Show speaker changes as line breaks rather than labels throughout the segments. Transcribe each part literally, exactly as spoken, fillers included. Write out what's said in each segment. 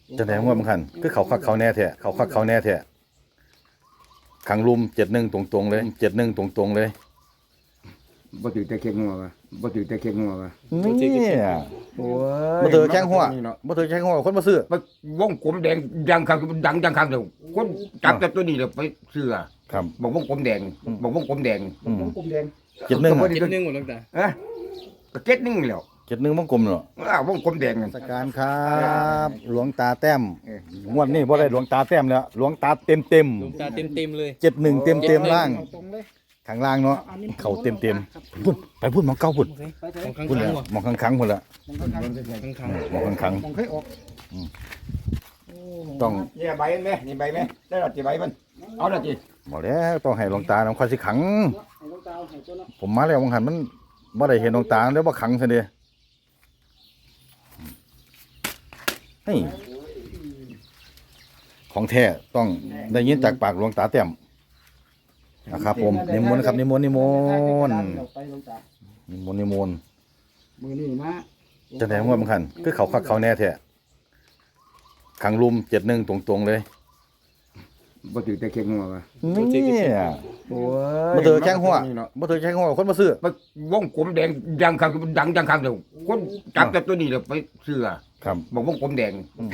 จะไหนว่ามันคันคือเขาคักเขาแน่แท้เขาคักเขาแน่แท้ขังลุมเจ็ดหนึ่งตรงๆเลยเจ็ดหนึ่งตรงๆเลย
บ่ถือแต่เค็งหัววะบ่ถือแต่เค็งหัววะ
นี่
โอ้ย
บ่ถือแข้งหัวบ่ถือแข้งหัวคนมาซื้อ
มันวงกลมแดงยังคังดังยังคังเดียวคนจับแต่ตัวนี้เดี๋ยวไปเสื้อ
ครับ
บอกวงกลมแดงบอกวงกลมแดง
อืม
กลมแดง
เจ็ดหนึ่ง
ก็บ่
อะ
ได้
เจ็ดหนึ่งหมดแล้วจ้ะ
เอ้ยก็เก็ดหนึงแล้ว
เจ็ดหนึ่งมังกลมเนาะ
อ้าววงกลมแดงนั่น
สการครับหลวงตาแต้ม
เออ
งวดนี้บ่ได้หลวงตาแต้มแล้วหลวงตาเต็มเต็ม
ดวงตาเต็มเต็มๆเลย
เจ็ดหนึ่งเต็มเต็มล่าง
เอาตรงเลย
ข้างล่างเนาะเขาเต็มเต็มพุ่นไปพุ่นหมองเก้าพุ่น
ไปเถ
ของ
อะ
ข้าง
พุ่น
ข้า
แล้
ง
ว
ว่ะ
หมองข้างขังพุ่นละ
มองข้าง
ข้างข้าง
หมองข้างขัง
มองเคยออก
ต้อง
นี่ใบมันไหมนี่ใบไหมได้หรอจีใบมันเอาละจี
บอกแล้วต้องให้หลวงตาน้ำควายสิขัง
ให้ลูกตาให้ตัวเนาะ
ผมมาแล้ววังหันมันบ่ได้เห็นหลวงตาแล้วบ่ขังซะเด้เฮ้ยของแท้ต้องได้ยินจากปากหลวงตาแต้มนะครับผมนิมนต์ครับนิมนต์นิมนต์
ไปลูกตา
นิมนต์นิมนต์
มือนี่มา
จะไหนว่ามันคันคือเขาคักเขาแน่แท้ขังลุมเจ็ดหนึ่งตรงๆเลย
บ่ถือแต่เค็งหัววะ
นี่
โอ้
บ่ถือแข้งหัวบ่ถือแข้งหัวคนมาซื้อ
มันวงกลมแดงยังคังดังยังคังเดียวคนจับแต่ตัวนี้เดี๋ยวไปเสื้อ
ครับ
บอกวงกลมแดง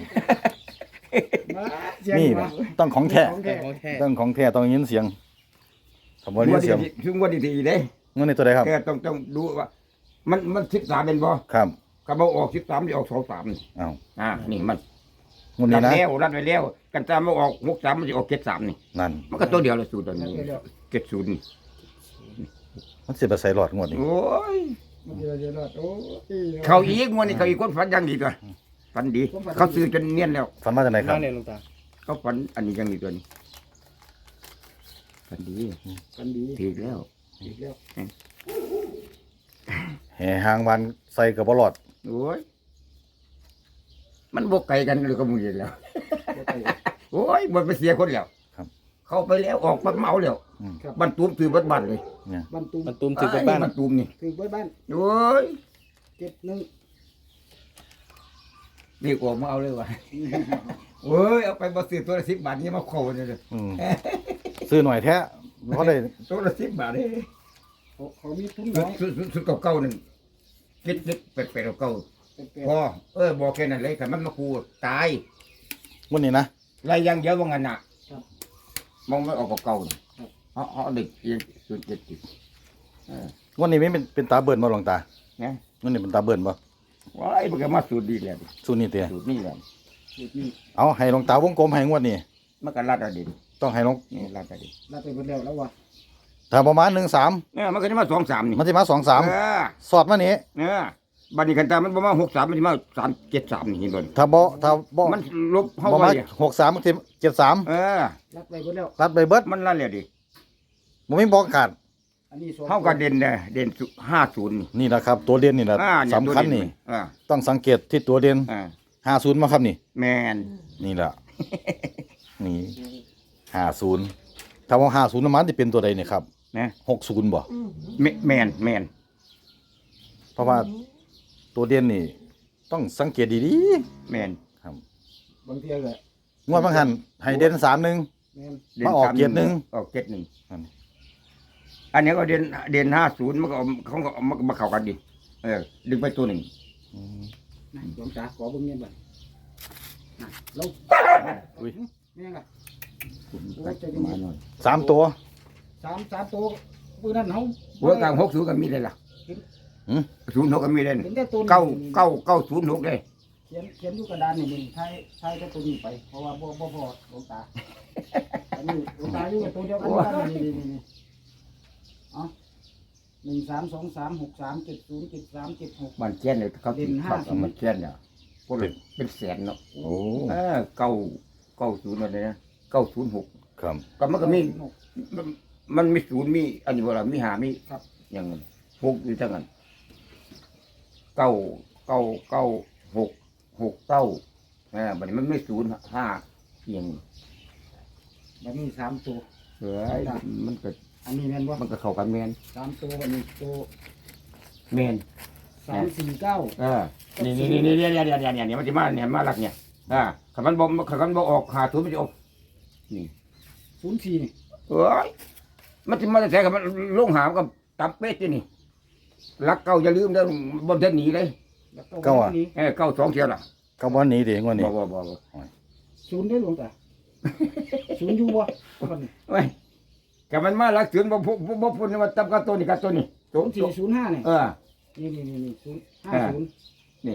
นี่แหละต้องของแท้
ของ
แต่
แท้
ของแท้
ต้องของแท้ต้องยินเสียงคำว่ายินเสียง
ถึงวันที่สี่เด้
เงินในตัวใดครับ
แกต้องต้องดูว่า มันมันสิบสามเป็นบ่
ครับ
กระบอกออกสิบสามจะออกสองสาม
อ้าว
อ่านี่มัน
งวด
รั
นี้
ด
นะ
แล้วรัดไว้แล้วกันตามมาออกหกสามมันจะออกเจ็ดสามนี่
นั่น
มันก็ตัวเดียวเลยสูตรตัวนี้เจ็ดศูนย์นี่
มันสิไปใส่หลอดงวดนี้
โอ้ย
มันเดี๋ยวเดี๋ยวรอดโอ้ย
เขาอีกงวดนี้เขาอีกคนฝันอยังดีตัวฝันดี เขาซื้อจนเนียนแล้ว
ฝันมาจากไหนครั
มา
บ
เนี่ยหลวงตา
เขาฝันอันนี้อยังดีตัวนี้ฝันดี
กันดี
ถีกแล้ว
อีกแล้ว
แห่หางวันใส่กับบหลอด
โอ้ยมันบกไก่กันเลยก็มึงเห็นแล้ว โอ้ยมันไปเสียคนแล้ว
ครับ
เข้าไปแล้วออกปักเมาแล้ว
อืม
บันตูมถือบัดบันเลย
เนี่ย
บรรทุก
มันตุ้มถึงกับบ้าน
บันตูมนี่
ถือไว้บ้าน
โอ้ย
เจ็ดหนึ่ง
นี่ออกมาเอาเลยวะ โอ้ยเอาไปบซื้อตัวละสิบบาทนี่มาโคเนี่ยเลย
อืมซื้อหน่อยแท้เพราะได้
ตัวละสิบบาทเลย
เขาเขามีทุน
สุ
น้
ด
อย
สุดสุดสุดเก่าๆหนึ่งคิดคิดเป็ดเป็ดเก่า
เป็นแป
ๆพอเออบอกแค่นั้นเลยแต่มันมาคูตาย
งวดนี้นะ
ไรยังเยอะว่างั้นน่ะมองไม่ออกเก่าๆนี่เขาเขาเด็กเอียงสุดเจ็ดสิบเออง
วดนี้ไม่เป็นเป็นตาเบิ่นบ่หลวงตา
เนี่ย
งวดนี้เป็นตาเบิ่นบ่
ว้ายมันก็มาสูตรดีแล้ว
สูตรนี้เตี้ย
สูตรนี่แหละ
จุดนี้
เอาให้หลวงตาวงกลมให้งวดนี้
มันก็รัดอดีต
ต้องให้หลวง
นี่รัดอดีต
รับไปหมดแล้วแล้ววะ
ถ้าประมาณหนึ่งสาม
เนี่ยมันก็จะมาสองสามนี่
มันสิมาสองสาม
เออ
สอดมานี้
เนี่ยบัดนี้กันตามันประมาณหกสามมันจะมาสามเจ็ดสามนี่เห็นบ่
ถ้าบ่ถ้าบ่
มันลบเข้า
บ่
ไป
มาหกสามมันสิเจ็ดสาม
เออ
รับไปหมดแล้ว
รัดไปเบิด
มันนั่นแหละดิ
บ่มีบอกขาด
อันนี้สอง
เข้ากับเด่นเด้เด่นห้าศูนย์นี่
นี่แหละครับ ตัวเด่นนี่แหละ
อ่าเย
สำคัญ
ตัวเด่
นี่
อ่า
ต้องสังเกตที่ตัวเด่น
อ่า
ห้าศูนย์มาครับนี่
แมน
นี่แหละ นี่ห้าศูนย์ถ้าว่าห้าศูนย์มันจะเป็นตัวใดเนี่ยครับ
นะ
หกศูนย์บ่
แมแมนแมน
เพราะว่าตัวเด่นนี่ ต้องสังเกตดี
แมน
ๆครับ
บางทีก็
งวดบางหันให้เด่นสามหนึ่ง
แม่น
ด่น
มาออก
ส
เกียรติหนึ่ง
ออกเจ็ดหนึ่ง
อันนี้
อันนี้ก็เด่นเด่นห้าศูนย์มันก็เอาเขาก็เอามามาเข้ากันดิเออดึงไปตัวหนึ่ง
อืม
นะหลวงตาขอเบิ่งเงินบ่นะลง
อุ้ย
แม่งล่ะ
มาหน่อย
สามตัว
สามสามตัวปืนนั้นเขา
หัวกลางหกศูนย์ก็มีเลยล่ะ
หืม
ศูนย์หกก็มีเลย
เห็นแต่ตัวนี้
เก้าเก้าเก้าศูนย์หกเลย
เขียนเขียนอยู่กระดานนี่มึงใช้ใช้แต่ตัวนี้ไป เพราะว่าบ่บ่พอหลวงตาอันนี้หลวงตาอยู่กับตัวเดียวกันกันนี่นี่นี่นี่เอาหนึ่งสามสองสามหกสามเจ็ดศูนย์เจ็ดสามเจ็ดหก
มันเชียนเลยเขา
เด่นห้า
เขามันเชียนเนี่ยพวกเราเป็นแสนเนาะ
โอ้
เออเก้าเก้าศูนย์อะไรนะเก้าศูนย์หก
ครับ
ก็มันก็มีมันมันมีศูนย์มีอันนี้บ่ล่ะมีหามี
ครับ
อย่างนั้นหกอยู่ทั้งนั้นเก้าเก้าเก้าหกหกเก้าอ่าบัดนี้มันไม่ศูนย์ห้าอย่างนี้
แบบนี้สามตัว
เฮ้ยมันก็
อันนี้แม่นบ่
มันก็เข้ากันแมน
สามตัวอันนี้ตัว
แมน
สามสี่เก้า
เออนี่นี่นี่นี่เนี่ยเนี่ยเนี่ยเนี่ยเนี่ยมันจะมาเนี่ยมาลักเนี่ยอ่าขันมันบ่ขันมันบ่ออกหาศูนย์มันจะออกนี่
ศูนย์สี่นี่
เอ้ยมันจะมาแต่กับมันลงหามกับตับเป็ดที่นี่รักเก่าอย่าลืมเด้อบนเส้นหนีเลย
แล้ว
เก้าอะ
นี้
เออเก้าสองเทียวน่ะ
ก็บ่หนีดิงวดนี้
บ่บ่บ่บ่
ศูนย์ได้หลวงตาศูนย์อยู่บ่มัน
เว้ยกับมันมาลักเสือนบ่พูบ่บ่พูดว่าตับกับตัวนี้กับตัวนี้
ศูนย์สี่ศูนย์ห้าเนี่ย
เออ
นี่นี่นี่นี่ศูนย์ห้า
อ่า
ศูนย์
นี่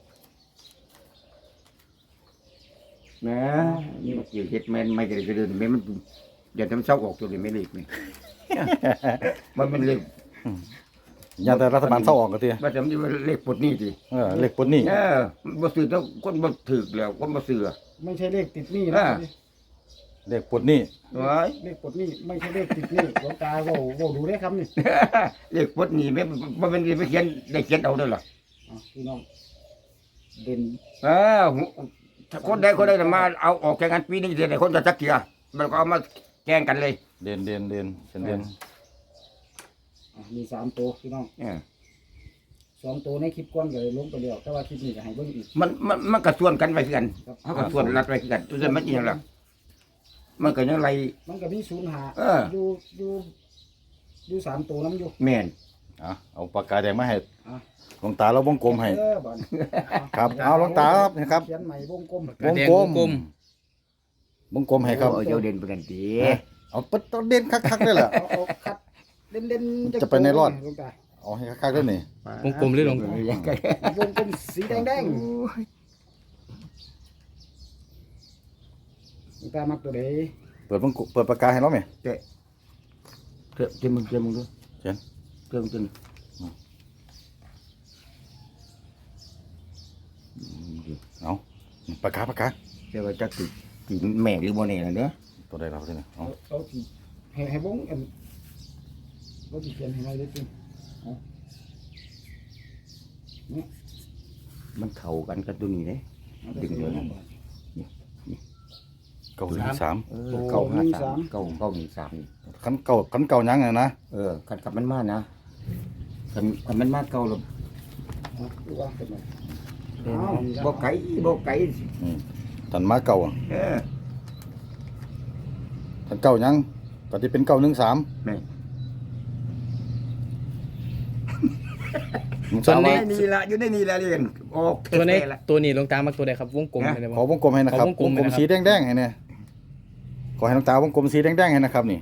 แหม่นี่มันเกี่ยวเฮ็ดแม่นไม่ได้กระเดินแม่นมันอย่าทำเศร้าออกตัวนี้ไม่เล็กนี่ มันมันเล็ก
อย่าแต่รัฐบาลเศร้าออกก็ที
ว่าจะมันเล็กปลดหนี้สิ
เออเลขปลดหนี้
เออบ่ซื้อแล้วคนบ่ถูกแล้วคนบ่ซื้อ
ไม่ใช่เลขติดหนี้
อ่า
นะ
เลขปลดหนี้
ไว้
เลขปลดหนี้ไม่ใช่เลขติดหนี้หลวงตาเว่าเว่าดูได้ครับนี่
เล็กปลดหนี้แม่บ่แม่นสิไปเขียนได้เขียนเอาเด้อล่ะ
อ่ะพี่น้องเด่น
เออถ้าคนใดคนใดจะมาเอาออกแข่งกันปีนี้สิได้คนจะจักเที่ยมันก็เอามาแข่งกันเลย
เด่นเด่นเด่นเป็นเด่น
อ่ะมีสามตัวพี่น้อง
เออ
สองตัวในคลิปก้อนก็เลยลงไปแล้วแต่ว่าคลิปนี้ก็ให้เบิ่งอีก
มันมันมันก็ส่วนกันไว้คือกัน
ครับ
เฮาก็ส่วนรัดไว้คือกันตัวนั้นมันอีหยังล่ะมันก็ยังไร
มันก็มีศูนย์หา
เออ
อยู่อยู่อยู่สามตัวน้ำอยู่
แม่น
อ่ะเอาปากกาแดงมาให้
อ่ะ
หลวงตาเราวงกลมให้
เออบ่อน
ครับเอาหลวงตาครับนะครับ
เขียนใหม่วงกลม
วงกลมวงกลมให้ครับ
เอาเจ้าเด่นไปกันติ
เอาเปิดตัวเด่นคักๆได้แหละ
เอาเอาคัดเด่นๆ
จะไปในรอด
หลวงตา
เอาให้คักๆได้นี่
วงกลมเลยหลวงตา
วงกลมสีแดงๆหลวงตามักตัวใด
เปิดวงกลมเปิดปากกาให้เราไหม
เจ้เจ้เจ้มึงเจ้มึงดู
เชิญ
เจ้มึงตัวนี้
เอาปากกาปากกา
เจ้าว่าจักสิกินแม่หรือบ่แน่ล่ะเด้อ
ตัวใดเราที่นี่เอา
เอาเอาที่ให้ให้วงอันเราที่เขียนให้หน่อยได้จริง
มันเข้ากันกับตัวนี้เด้ ดึงเลย
เก้าหนึ่งสาม
เออเก้าห้าสามเก้าเก้าหนึ่งสามนี่
ขันเก่าขันเก่ายังไงนะ
เออขันกับมันมานะขันขันมันมาเก่าแล้ว
เอาดูว่าเป็นไง
บ่ไก่บ่ไก่
อืมขันมาเก่าอะ
เออ
ขันเก่ายังก็จะเป็นเก่าหนึ่งสาม
แม่
ส่วน
ใน
นี้
นี่ละอยู่ในนี่ละเรียนโอเค
ตัวนี้
ละ
ตัวนี้หลวงตามักตัวใดครับ วงกลม
ฮะ
อะไร
ขอ
บ่
วงกลมให้นะครับ
ขอวงกลม
วงกลม
นะครับ
สีแดงๆให้เนี่ยขอให้น้องตาวงกลมสีแดงๆให้นะครับนี่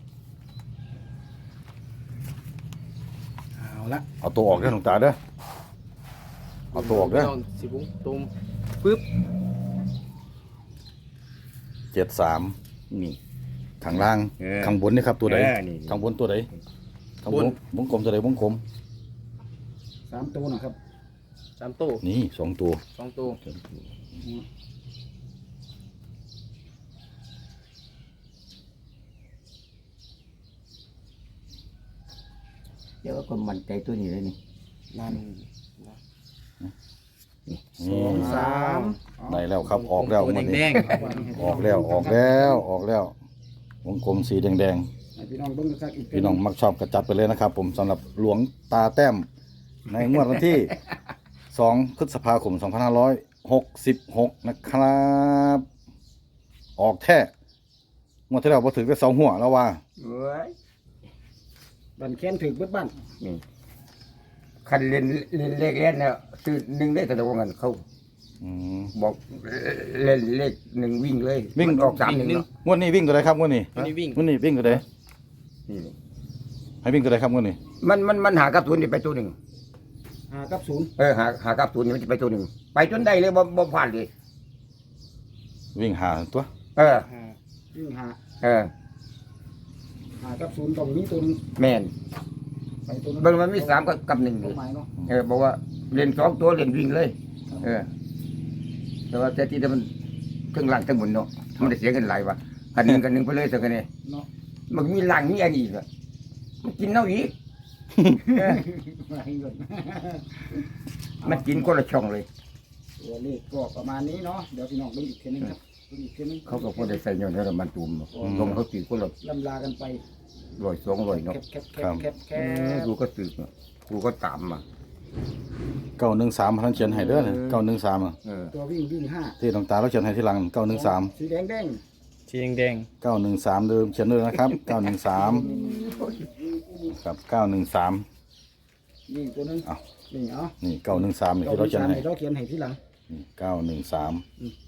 เอาละ
เอาตัวออกเด้อน้องตาเด้อเอาตัวออกเด้อ
สิวงตุมปึ๊บ
เจ็ดสาม
นี่
ข้างล่าง
เออ
ข้างบนนี่ครับตัวใด
เออนี่
ข้างบนตัวใดข้างบนวงกลมตัวใดวงกลม
สามตัวนะครับ
สามตู้
นี่สองตัว
สองตู้
เดี๋ยวก็มั่นใจตัวนี้เลยนี่
นั่น
นี่
สาม
ได้แล้วครับออกแล้ว
ตัว
มัน
แด
นี้
ง
ออกแล้วออกแล้วออกแล้ว วงกลมสีแดง
ให้พี่น้องเบิ่งกันสักอีก
ๆพี่น้องมักชอบกระจัดไปเลยนะครับ ผมสำหรับหลวงตาแต้มในงวดวันที่ สองพฤษภาคมสองพันห้าร้อยหกสิบหกนะครับ ออกแท้งวดที่แล้วพอถึงได้สองหัวแล้วว่า
เอ้ย
บันแค้นถึกเบิดบ้าน
นี่คันเล่นเล่นเลขเล่นเนี่ยซื้อหนึ่งได้แต่ตัวเงินเขา
อืม
บอกเล่นเลขหนึ่งวิ่งเลย
วิ่ง
มันออกสามหนึ่งเนาะ
งวดนี้วิ่งตัวใดครับงวดนี้
ๆตัวนี้วิ่ง
งวดนี้วิ่งตัวใด
นี่
ให้วิ่งตัวใดครับงวดนี้
มันมันมันหากับศูนย์นี่ไปตัวหนึ่ง
หากับศูนย์
เออหาหากับศูนย์นี่มันจะไปตัวหนึ่งไปจนได้เลยบ่บ่ผ่านเลย
วิ่งหาตัว
เออ
อ่า
วิ่งหา
เออ
หากับศูนย์ต้องมีตัวหนึง
แม่น
ไปตัวหนึง
เบิ่งมันมีสามกับกับหนึ่ง
ตัวหมายเนาะ
เออบอกว่าเล่นสองตัวเล่นวิ่งเลย เออ แต่ว่าแต่ที่แต่มันทั้งหลังทั้งบนเนาะมันได้เสียเงินหลายว่ะคันหนึ่งกันหนึ่งไปเลยสักกันเนี่ย
เนาะ
มันมีหลังมีอันนี้อีกอะมันกินเน่าอีกเออ
มาให้เงิน
มันกินคนละช่องเลย
ตัวเลขก็ประมาณนี้เนาะเดี๋ยวพี่น้องเบิ่งอีกทีหนึงครับเบิ่งอีกทีหนึง
เขาก็พอได้ใส่เงินให้เรามันตุ่มเนาะลงเขาตีคนละ
ลำลากันไป
ร้อยสองร้อย
แค
เนาะ
บแคบแคบแคบแค
เออบ กูก็สืบเนาะกูก็ตามมา
เก้าหนึ่งสามท่านเขียนให้เด้อเนี่ยเก้าหนึ่งสาม
เออ
ตัววิ่งวิ่งห้า
ที่หลวงตาเราเขียนให้ที่หลังเก้าหนึ่งสาม
สีแดงแดง
สีแดง
เก้าหนึ่งสามเดิมเขียนเลยนะครับเก้าหนึ่งสามกับเก้าหนึ่งสาม
นี่ตัวนึง
เอา
นี่เอา
นี่เก้าหนึ่งสามที่เราเขียนให้
เราเขียนให้ที่หลัง
เก้าหนึ่งสาม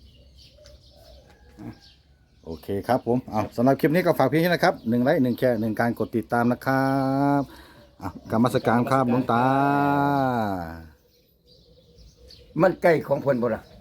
โอเคครับผมเอาสำหรับคลิปนี้ก็ฝากเพียงแค่นะครับหนึ่งไลค์หนึ่งแชร์หนึ่งการกดติดตามนะครับอ่ะกรรมสการครับหลวงตา
มันใกล้ของเพิ่นบ่ล่ะ